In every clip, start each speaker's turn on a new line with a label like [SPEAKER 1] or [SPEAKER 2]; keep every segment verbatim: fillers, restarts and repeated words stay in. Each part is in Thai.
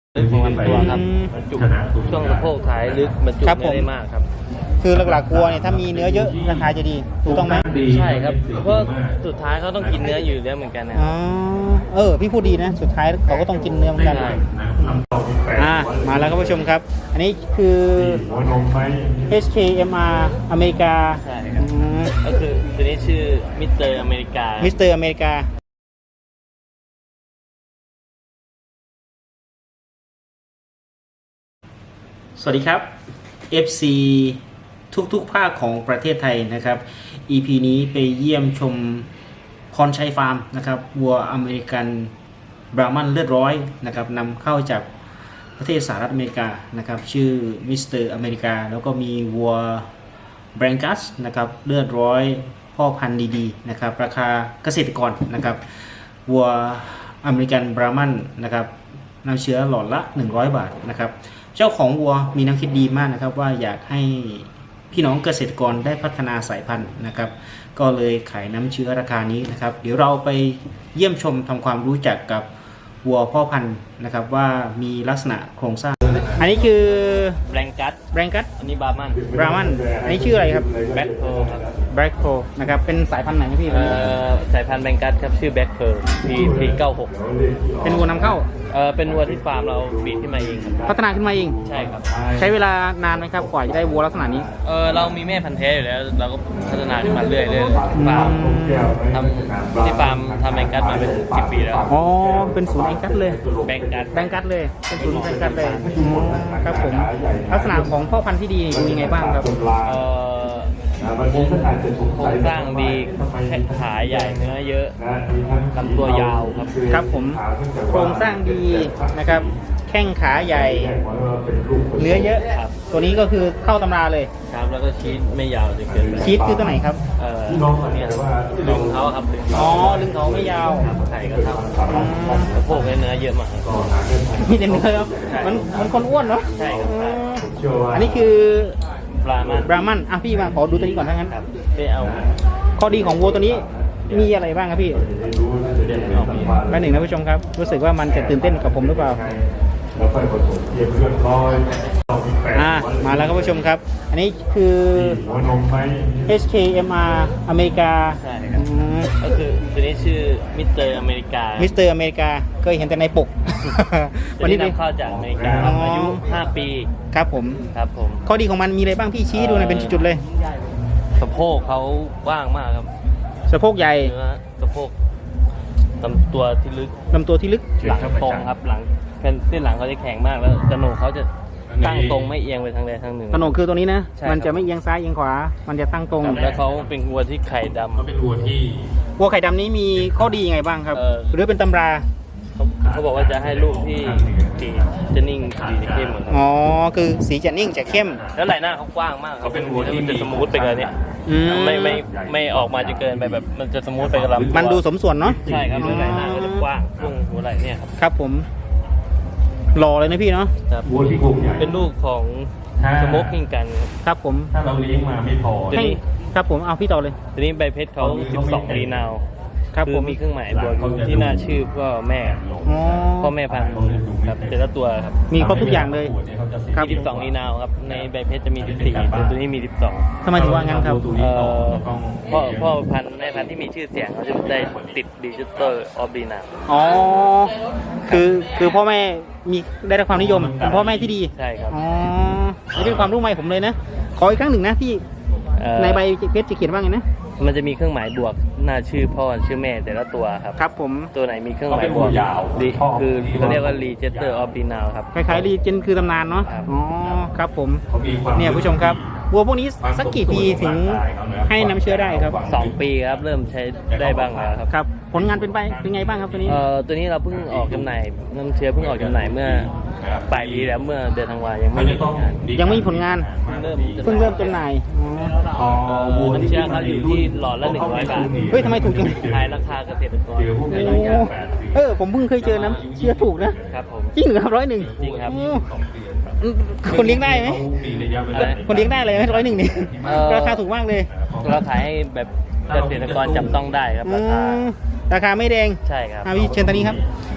[SPEAKER 1] ลึกของลำตัวครับบรรจุช่วงสะโพกท้ายลึกบรรจุ
[SPEAKER 2] ครับผม
[SPEAKER 1] ได้มากครับ
[SPEAKER 2] คือหลักๆวัวเนี่ยถ้ามีเนื้อเยอะราคาจะดีถูกต้องไหม
[SPEAKER 1] ใช่ครับเพราะสุดท้ายเขาต้องกินเนื้ออยู่แล้วเหมือนกันนะ
[SPEAKER 2] อ๋อเออพี่พูดดีนะสุดท้ายเขาก็ต้องกินเนื้อเหมือนกัน
[SPEAKER 1] ใช่
[SPEAKER 2] อ่ามาแล้วครับผู้ชมครับ อันนี้คือ เอช เค เอ็ม อาร์ อเมริกา
[SPEAKER 1] ใช่ครับก็คือตัวนี้ชื่อมิสเตอร์อเมริกา
[SPEAKER 2] มิสเตอร์อเมริกาสวัสดีครับ เอฟ ซี ทุกๆภาคของประเทศไทยนะครับ อี พี นี้ไปเยี่ยมชมพรชัยฟาร์มนะครับวัวอเมริกันบรามันเลือดร้อยนะครับนำเข้าจากประเทศสหรัฐอเมริกานะครับชื่อมิสเตอร์อเมริกาแล้วก็มีวัวแบรงกัสนะครับเลือดร้อยพ่อพันธุ์ดีๆนะครับราคาเกษตรกรนะครับวัวอเมริกันบรามันนะครับน้ำเชื้อหลอดละหนึ่งร้อยบาทนะครับเจ้าของวัวมีแนวคิดดีมากนะครับว่าอยากให้พี่น้องเกษตรกรได้พัฒนาสายพันธุ์นะครับก็เลยขายน้ำเชื้อราคานี้นะครับเดี๋ยวเราไปเยี่ยมชมทำความรู้จักกับวัวพ่อพันธุ์นะครับว่ามีลักษณะโครงสร้างอันนี้คือ
[SPEAKER 1] แบงกัส
[SPEAKER 2] แบรงกัส
[SPEAKER 1] อันนี้บาร์มัน
[SPEAKER 2] บรามันอันนี้ชื่ออะไรครับ
[SPEAKER 1] แบ็คเพร์ลครับ
[SPEAKER 2] แบล็กโคนะครับเป็นสายพันธุ์ไหนครับพี่
[SPEAKER 1] เอ่อสายพันธุ์แบงกัสครับชื่อแบ็คเพร์ล พี พี เก้าหก
[SPEAKER 2] เป็นวัวนำเข้า
[SPEAKER 1] เออเป็นวัวที่ฟาร์มเราบีดขึ้นมาเองครับ
[SPEAKER 2] พัฒนาขึ้นมาเอง
[SPEAKER 1] ใช่ครับ
[SPEAKER 2] ใช้เวลานานไหมครับกว่าจะได้วัวลักษณะนี้
[SPEAKER 1] เออเรามีแม่พันธุ์แท้อยู่แล้วเราก็พัฒนาขึ้นมาเรื่อยๆเรื่อยๆฟาร์มทำที่ฟาร์มทำแบงกัสมาเป็นสิบปีแล้ว
[SPEAKER 2] อ๋อเป็นศูนย์แองกัสเลย
[SPEAKER 1] แบงกัส
[SPEAKER 2] แบงกัสเลยเป็นศูนย์แบงกัสเลยอ๋อครับผมลักษณะของพ่อพันธุ์ที่ดีดูยังไงบ้างครับ
[SPEAKER 1] เอ่อโครงโครงสร้างดีแค่ขาใหญ่เนื้อเยอะลำตัวยาวครับ
[SPEAKER 2] ครับผมโครงสร้างดีนะครับแข้งขาใหญ่เนื้อเยอะ
[SPEAKER 1] ครับ
[SPEAKER 2] ตัวนี้ก็คือเข้าตำราเลย
[SPEAKER 1] ครับแล้วก็ชีสไม่ยาวจนเกินไป
[SPEAKER 2] ชีสคือตัวไหนครับ
[SPEAKER 1] เอ่อเนี่ยลึงเขาครับลึง
[SPEAKER 2] อ๋อลึงเขาไม่ยาว
[SPEAKER 1] ครับไข่ก็เท่าสะโพกเนื้อเยอะมากครับ
[SPEAKER 2] มีแต่เนื้อครับมันมันคนอ้วนเนาะ
[SPEAKER 1] ใช่ครับ
[SPEAKER 2] อืมอันนี้คือ
[SPEAKER 1] ปลามัน
[SPEAKER 2] บรามันอ่ะพี่มาขอดูตัวนี้ก่อนทั้างนั้น
[SPEAKER 1] ครับไม่เอา
[SPEAKER 2] ข้อดีของวัวตัวนี้มีอะไรบ้างครับพี่
[SPEAKER 1] เดี๋ยวเอามี
[SPEAKER 2] แป๊บหนึ่งนะผู้ชมครับ รู้สึกว่ามันจะตื่นเต้นกับผมหรือเปล่าอ่ามาแล้วครับผู้ชมครับ อันนี้คือ เอช เค เอ็ม อาร์ อเมริกา
[SPEAKER 1] ใช่ครับก็คือตัวนี้ชื่อมิสเตอร์อเมริกา
[SPEAKER 2] มิสเตอร์อเมริกาเคยเห็นแต่ในปก
[SPEAKER 1] ตัวนี้นำเข้าจากอเมริกาครับอายุห้าปี
[SPEAKER 2] ครับผม
[SPEAKER 1] ครับผม
[SPEAKER 2] ข้อดีของมันมีอะไรบ้างพี่ชี้ดูหน่อยเป็นจุดๆเลย
[SPEAKER 1] สะโพกเขากว้างมากครับ
[SPEAKER 2] สะโพกใหญ่
[SPEAKER 1] เนื้อสะโพกลำตัวที่ลึก
[SPEAKER 2] ลำตัวที่ลึก
[SPEAKER 1] หลังตรงครับหลังเป็นเส้นหลังเขาจะแข็งมากแล้วกระโหนกเขาจะตั้งตรงไม่เอียงไปทางใดทางหนึ่ง
[SPEAKER 2] กระโหนกคือตัวนี้นะ
[SPEAKER 1] ใช่ครับ
[SPEAKER 2] มันจะไม่เอียงซ้ายเอียงขวา มันจะตั้งตรง
[SPEAKER 1] แล้วเขาเป็นวัวที่ไข่ดำเขาเป็นวัวที่
[SPEAKER 2] วัวไข่ดำนี้มีข้อดียังไงบ้างครับ
[SPEAKER 1] เออ
[SPEAKER 2] หรือเป็นตำรา
[SPEAKER 1] เขาเขาบอกว่าจะให้ลูกที่สีจะนิ่งสีจะเข้มเหมือนกัน
[SPEAKER 2] อ๋อ คือสีจะนิ่งจะเข้ม
[SPEAKER 1] แล้วไหล่หน้าเขากว้างมากเขาเป็นวัวที่มันจะสมูทไปกับเนี่ย
[SPEAKER 2] อืม
[SPEAKER 1] ไม่ไม่ไม่ออกมาจะเกินไปแบบมันจะสมูทไปกับลำตัว
[SPEAKER 2] มันดูสมส่วนเนาะ
[SPEAKER 1] ใช่ครับแล้วไหล่หน้าก็จะกว้างช่วงหัวไหล่เนี่ยครับ
[SPEAKER 2] ครับผมหล่อเลยนะพี่เนาะ
[SPEAKER 1] ครับเป็นลูกของสโมกกิ้งกันครับ
[SPEAKER 2] ครับผม
[SPEAKER 3] ถ้าเราเลี้ยงมาไม่พอ
[SPEAKER 1] ตัวนี้
[SPEAKER 2] ครับผมเอาพี่ต่อเลย
[SPEAKER 1] ตัวนี้ใบเพชรเขาสิบสองรีนาว
[SPEAKER 2] ครับ
[SPEAKER 1] คื
[SPEAKER 2] ผ
[SPEAKER 1] อ
[SPEAKER 2] ม
[SPEAKER 1] มีเครื่องหมายบวกอยู่ที่หน้าชื่อพ่อแม่
[SPEAKER 2] อ๋อ
[SPEAKER 1] พ่อแม่พันธุ์ครับแต่ละตัวครับ
[SPEAKER 2] มีครบทุกอย่างเลย ครับ
[SPEAKER 1] มีสิบสองรีนาวครับในใบเพชรจะมีสิบสี่แต่ตัวนี้มีสิบสอง
[SPEAKER 2] ทำไมถึงว่างั้นครับ
[SPEAKER 1] เอ่อพ่อพ่อพันธุ์แม่พันธุ์ที่มีชื่อเสียงเขาจะได้ติดดิจิตอลออฟดีนาว
[SPEAKER 2] อ๋อ คือคือพ่อแม่มีได้รับความนิยมเป็นพ่อแม่ที่ดี
[SPEAKER 1] ใช่ครับ
[SPEAKER 2] อ๋อนี่เป็นความรู้ใหม่ผมเลยนะ ขออีกครั้งหนึ่งนะพี่
[SPEAKER 1] เอ่อ
[SPEAKER 2] ในใบเพชรจะเขียนว่าไงนะ
[SPEAKER 1] มันจะมีเครื่องหมายบวกหน้าชื่อพ่อชื่อแม่แต่ละตัวครับ
[SPEAKER 2] ครับผม
[SPEAKER 1] ตัวไหนมีเครื่องหมายบวกดีคือเขาเรียกว่า Register of b i n a l ครับ
[SPEAKER 2] คล้ายๆรีเจนคือตำนานเนาะ
[SPEAKER 1] ครับ
[SPEAKER 2] อ๋อ ครับผม เนี่ยผู้ชมครับ วัวพวกนี้สักกี่ปีถึงให้น้ำเชื้อได้ครับ
[SPEAKER 1] สองปีครับเริ่มใช้ได้บ้างแล้วครับ
[SPEAKER 2] ครับ ผลงานเป็นไปเป็นไงบ้างครับตัวนี้
[SPEAKER 1] เอ่อตัวนี้เราเพิ่งออกจำหน่ายน้ำเชื้อเพิ่งออกจำหน่ายเมื่อปลายปีแล้วเมื่อเดือนธันวายังไม่มีผลงาน
[SPEAKER 2] ยังไม่มีผลงาน
[SPEAKER 1] เริ่ม
[SPEAKER 2] เพิ่งเริ่มจำหน่าย อ๋อ
[SPEAKER 1] เอ่อน้ำเชื้อเขาอยู่ที่หลอดละหนึ่งร้อยบาท
[SPEAKER 2] เฮ้ยทำไมถูกจัง
[SPEAKER 1] ขายราคาเกษตรกร
[SPEAKER 2] โอ้เออ ผมเพิ่งเคยเจอน้ำเชื้อถูกนะ
[SPEAKER 1] ครับผม
[SPEAKER 2] จริงเหรอครับร้อยหนึ่ง
[SPEAKER 1] จริงครับ
[SPEAKER 2] โอ้คนเลี้ยงได้ไหม
[SPEAKER 1] อะไร
[SPEAKER 2] คนเลี้ยงได้เลยไหมร้อยหนึ่งนี่
[SPEAKER 1] เอ่อ
[SPEAKER 2] ราคาถูกมากเลย
[SPEAKER 1] เราขายให้แบบเกษตรกรจับต้องได้ครับ
[SPEAKER 2] อื
[SPEAKER 1] ราคาม
[SPEAKER 2] ราคาไม่แดง
[SPEAKER 1] ใช่ครับ
[SPEAKER 2] อ่ะพี่เชิญตอนนี้ครับ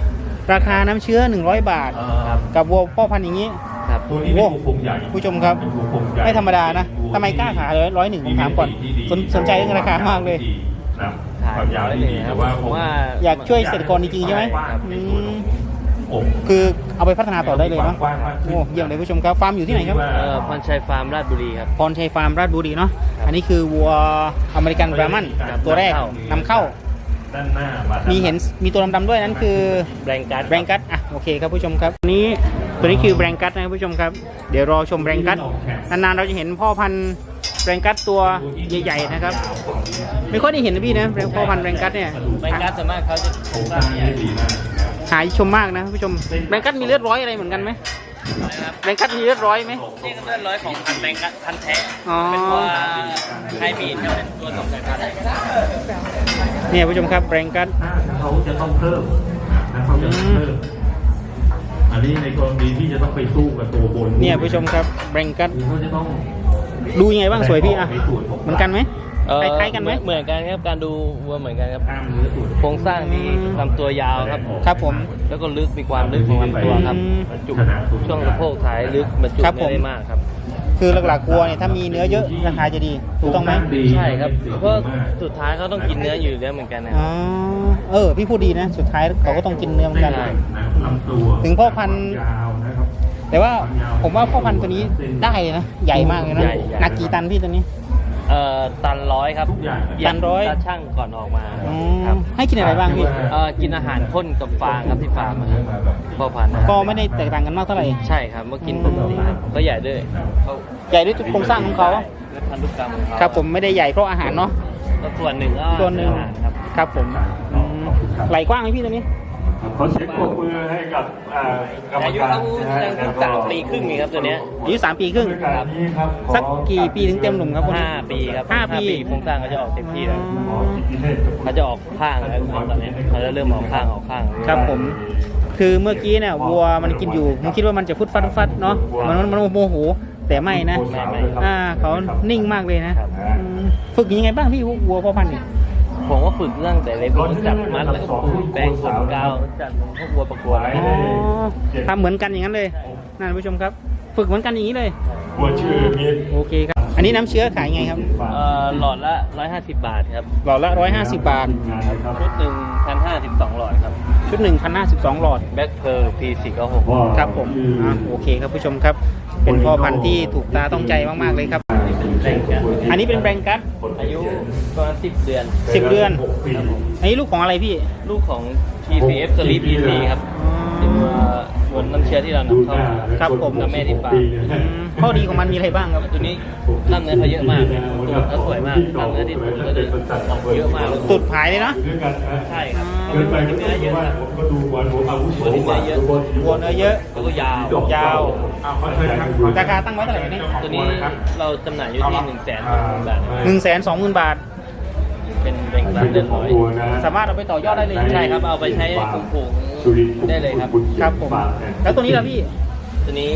[SPEAKER 2] ราคาน้ำเชื้อหนึ่งร้อยบาท
[SPEAKER 1] ครับ
[SPEAKER 2] กับวัวพ่อพันธุ์อย่างนี้
[SPEAKER 1] ครับ
[SPEAKER 3] ตัวนี้เป็นวัวโครงใหญ่
[SPEAKER 2] ผู้ชมครับ
[SPEAKER 3] เป็นวัวโครงใหญ่
[SPEAKER 2] ไม่ธรรมดานะทำไมกล้าขายเลยร้อยหนึ่งผมถามก่อนสนสนใจเรื่องราคามากเลย
[SPEAKER 3] นะ
[SPEAKER 1] ขาย
[SPEAKER 3] ความยาว
[SPEAKER 1] ร้อย
[SPEAKER 3] ที่
[SPEAKER 1] หนึ่ง
[SPEAKER 3] ดี
[SPEAKER 1] ครั
[SPEAKER 3] แต่
[SPEAKER 1] บ
[SPEAKER 3] ว่า
[SPEAKER 1] ผมว่า
[SPEAKER 2] อยากช่วยเกษตรกรจริงๆใช่ไหม
[SPEAKER 3] ครับ
[SPEAKER 2] อืม
[SPEAKER 3] อก
[SPEAKER 2] คือเอาไปพัฒนาต่อได้เลยเนาะ
[SPEAKER 3] กว้างมากขึ้น
[SPEAKER 2] โอ้เยี่ยมเลยผู้ชมครับฟาร์มอยู่ที่ไหนครับ
[SPEAKER 1] เอ่อพรชัยฟาร์มราชบุรีครับ
[SPEAKER 2] พรชัยฟาร์มราชบุรีเนาะอันนี้คือวัวอเมริกันบราหมันตัวแรกนำเข้า
[SPEAKER 3] ด้านหน้ามา
[SPEAKER 2] มีเห็นมีตัวดำๆด้วยนั่นคือ
[SPEAKER 1] แบงการ์ด
[SPEAKER 2] แบงกัสอ่ะโอเคครับผู้ชมครับตัวนี้ตัวนี้คือแบงกัสนะครับผู้ชมครับเดี๋ยวรอชมแบงกัสนานๆเราจะเห็นพ่อพันธุ์แบงกัสตัวใหญ่ๆนะครับไม่ค่อยได้เห็นนะพี่นะพ่อพันธุ์แบงกัสเนี่ย
[SPEAKER 1] แบงการ์ดส่วนมากเขาจะโครงสร้างใหญ่
[SPEAKER 3] ดีมาก
[SPEAKER 2] หายชมมากนะผู้ชมแบงกัสมีเลือดร้อยอะไรเหมือนกันไหม
[SPEAKER 1] นะครับ
[SPEAKER 2] แบงกัสมีเลือดร้อยไหม
[SPEAKER 1] นี่ก็เลือดร้อยของพันธุ์แบงการ์ดพันธุ์แท้
[SPEAKER 2] อ๋อ
[SPEAKER 1] เป็นตัวไฮบรีดครับเป็นตัวสองสายพันธุ์
[SPEAKER 2] เนี่ยผู้ชมครับแบงกัส
[SPEAKER 3] ถ้าเขาจะต้องเพิ่มนะเขาจะต้องเพิ่มอันนี้ในกรณีที่จะต้องไปสู้กับตัวบน
[SPEAKER 2] เนี่ยผู้ชมครับแบงกัส
[SPEAKER 3] เขาจะต้อง
[SPEAKER 2] ดูยังไงบ้างสวยพี่อ่ะเหมือนกันไหม
[SPEAKER 1] เอ่อ
[SPEAKER 2] คล้ายๆกันไหม
[SPEAKER 1] เหมือนกันครับการดูวัวเหมือนกันครับ
[SPEAKER 3] กล้ามเนื้อส่วน
[SPEAKER 1] โครงสร้างดีลำตัวยาวครับ
[SPEAKER 2] ครับผม
[SPEAKER 1] แล้วก็ลึกมีความลึกของลำตัวครับ
[SPEAKER 2] อืม
[SPEAKER 1] บรรจุช่วงสะโพกท้ายลึกบรรจุ
[SPEAKER 2] ครับผม
[SPEAKER 1] ไม่ได้มากครับ
[SPEAKER 2] คือหลักๆวัวเนี่ยถ้ามีเนื้อเยอะราคาจะดีถูกต้องไหม
[SPEAKER 1] ใช่ครับเพราะสุดท้ายเขาต้องกินเนื้ออยู่แล้วเหมือนกันนะ
[SPEAKER 2] อ๋อเออพี่พูดดีนะ สุดท้ายเขาก็ต้องกินเนื้อเหมือนกัน
[SPEAKER 1] ใช่
[SPEAKER 3] นะลำตัว
[SPEAKER 2] ถึงพ่อพันธุ์
[SPEAKER 3] ยาวนะครับ
[SPEAKER 2] แต่ว่าผมว่าพ่อพันธุ์ตัวนี้ได้นะใหญ่มากเลยนะ
[SPEAKER 1] ใหญ่ใหญ่
[SPEAKER 2] หนักกี่ตันพี่ตัวนี้
[SPEAKER 1] เอ่อตันร้อยครับ
[SPEAKER 3] ทุกอย่าง
[SPEAKER 2] ตันร้อย
[SPEAKER 1] ตาช่างก่อนออกมา
[SPEAKER 2] อ๋อ
[SPEAKER 1] ครับ
[SPEAKER 2] ให้กินอะไรบ้างพี่
[SPEAKER 1] เอ่อกินอาหารข้นกับฟางครับที่ฟาร์มอะครับพ่อพันธุ์นะ
[SPEAKER 2] ก็ไม่ได้แตกต่างกันมากเท่าไหร่
[SPEAKER 1] ใช่ครับเมื่อกินปกติครับก็ใหญ่ด้วยเขา
[SPEAKER 2] ใหญ่ด้วยจุดโครงสร้างของเขา
[SPEAKER 1] และพันธุกรรมของเขา
[SPEAKER 2] ครับผมไม่ได้ใหญ่เพราะอาหารเนาะ
[SPEAKER 1] ก็ส่วนหนึ่งก็
[SPEAKER 2] ส่วนหนึ่ง
[SPEAKER 1] อาหารครับ
[SPEAKER 2] ครับผมอืมไหลกว้างไหมพี่ตัวนี้
[SPEAKER 3] ขอเช็คปรบมือให้กับอ่ากรรม
[SPEAKER 1] อายุ
[SPEAKER 3] การ
[SPEAKER 1] เขายังสามปีครึ่งนี่ครับตัวเนี้ย
[SPEAKER 2] อายุสามปีครึ่ง
[SPEAKER 3] ครับนี้ครับขอ
[SPEAKER 2] สักกี่ปีถึงเต็มหนุ่มครับคน
[SPEAKER 1] ห้า
[SPEAKER 2] นี้
[SPEAKER 1] ปีครับ
[SPEAKER 2] ห้าปี
[SPEAKER 1] โครงสร้างเขาจะออกเต็มที่แล้ว
[SPEAKER 3] ขอสิทธิเทศกับคุณ
[SPEAKER 1] เขาจะออกข้างแล้วตอนนี้เขาจะเริ่มออกข้างออกข้าง
[SPEAKER 2] ครับผม คือเมื่อกี้เนี่ยวัวมันกินอยู่ผมคิดว่ามันจะฟุดฟัดฟุดฟัดเนาะมันมันมันโมโหแต่ไม่นะ
[SPEAKER 1] ไม่ไม่
[SPEAKER 2] อ่าเขานิ่งมากเลยนะครับ อืมฝึกยังไงบ้างพี่วัวพ่อพันธุ์นี่
[SPEAKER 1] ผมก็ฝึกเรื่องแต่เล็กผมจับมัดแล้วก็ปลูกแปลงขนกาวจัดพวกวัวประกวดอะไร
[SPEAKER 2] อ๋อทำเหมือนกันอย่างนั้นเลยนั่นผู้ชมครับ ฝึกเหมือนกันอย่างนี้เลย
[SPEAKER 3] หัวชื่อมี
[SPEAKER 2] โอเคครับ อันนี้น้ำเชื้อขายไงครับ
[SPEAKER 1] เอ่อหลอดละร้อยห้าสิบบาทครับ
[SPEAKER 2] หลอดละร้อยห้าสิบบาท
[SPEAKER 1] ชุดหนึ่งพันห้าสิบสองหลอดครับ
[SPEAKER 2] ชุดหนึ่งพันห้าสิบสองหลอด
[SPEAKER 1] แบ็คเพร์พีสี่เก้าหก
[SPEAKER 2] ครับผมอ่ะโอเคครับผู้ชมครับ เป็นพ่อพันธุ์ที่ถูกตาต้องใจมากๆเลยครับ
[SPEAKER 1] แบ่งกัน
[SPEAKER 2] อันนี้เป็นแบงกัส
[SPEAKER 1] อายุประมาณสิบเดือน
[SPEAKER 2] สิบเดือน
[SPEAKER 1] ครับผม
[SPEAKER 2] อันนี้ลูกของอะไรพี่
[SPEAKER 1] ลูกของ ที ซี เอฟ Sleep อี ที ครับเป็นตัวบนน้ำเชื้อที่เรานำเข้ามา
[SPEAKER 2] ครับผม
[SPEAKER 1] กับแม่ที่ฟาร์ม
[SPEAKER 2] อืมข้อดีของมันมีอะไรบ้างครับ
[SPEAKER 1] ตัวนี้กล้ามเนื้อเขาเยอะมากตัวเขาสวยมากกล้ามเนื้อที่ตัวก็จะออกเยอะมาก
[SPEAKER 2] ตุดผายเลยเนาะ
[SPEAKER 3] ด้วยกันนะ
[SPEAKER 1] ใช่ครับ
[SPEAKER 3] เกินไปก็
[SPEAKER 1] เนื้อเยอะ
[SPEAKER 3] ว่า
[SPEAKER 1] ครับ
[SPEAKER 3] ผมก็ดูบอลผมอาวุโส
[SPEAKER 1] ตัวนี้เนื้อเยอะ
[SPEAKER 2] วัวเนื้อเยอะ
[SPEAKER 1] แล้วก็ยาว
[SPEAKER 2] ยาว
[SPEAKER 3] เอาขอเชิญครับ
[SPEAKER 2] ราคาตั้งไว้เท่าไหร่นี่
[SPEAKER 1] ตัวนี้เราจำหน่ายอยู่ที่หนึ่งแสนบาท
[SPEAKER 2] หนึ่งแสนสองหมื่นบาท
[SPEAKER 1] เป็นแบ่งปันเดือนร้อย
[SPEAKER 2] สามารถเอาไปต่อยอดได้เลย
[SPEAKER 1] ใช่ครับเอาไปใช้ปลูกปลูกได้เลยครับ
[SPEAKER 2] ครับผม แล้วตัวนี้ล่ะพี่
[SPEAKER 1] ตัวนี้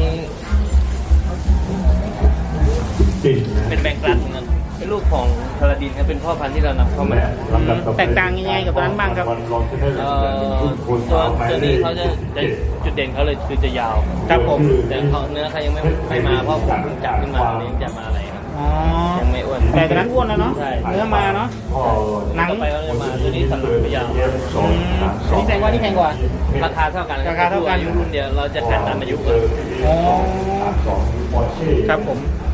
[SPEAKER 3] จริงนะ
[SPEAKER 1] เป็นแบงก์รัดเหมือนกันเป็นลูกของพาราดินครับเป็นพ่อพันธุ์ที่เรานำเข้ามา
[SPEAKER 2] แตกต่างยังไงกับตัวนั้นบ้างครับ
[SPEAKER 1] เอ่อตัวตัวนี้เขาจะจะจุดเด่นเขาเลยคือจะยาว
[SPEAKER 2] ครับผม
[SPEAKER 1] แต่เขาเนื้อเขายังไม่ไม่มาเพราะผมเพิ่งจับขึ้นมาวันนี้จะมาอะไรครับ
[SPEAKER 2] อ๋อ
[SPEAKER 1] ยังไม่อ้วน
[SPEAKER 2] แต่ตัวนั้นอ้วนแล้วเนาะ
[SPEAKER 1] ใช่
[SPEAKER 2] เนื้อมาเนาะ หนัง
[SPEAKER 1] ต่อไปเขาจะมาตัวนี้สันหลังไม่ยาว
[SPEAKER 2] อืมอันนี้แพงกว่านี่แพงกว่า
[SPEAKER 1] ราคาเท่ากัน
[SPEAKER 2] ราคาเท่ากัน
[SPEAKER 1] อายุรุ่นเดียวเราจะขายตามอายุเลย
[SPEAKER 2] อ๋อครับผม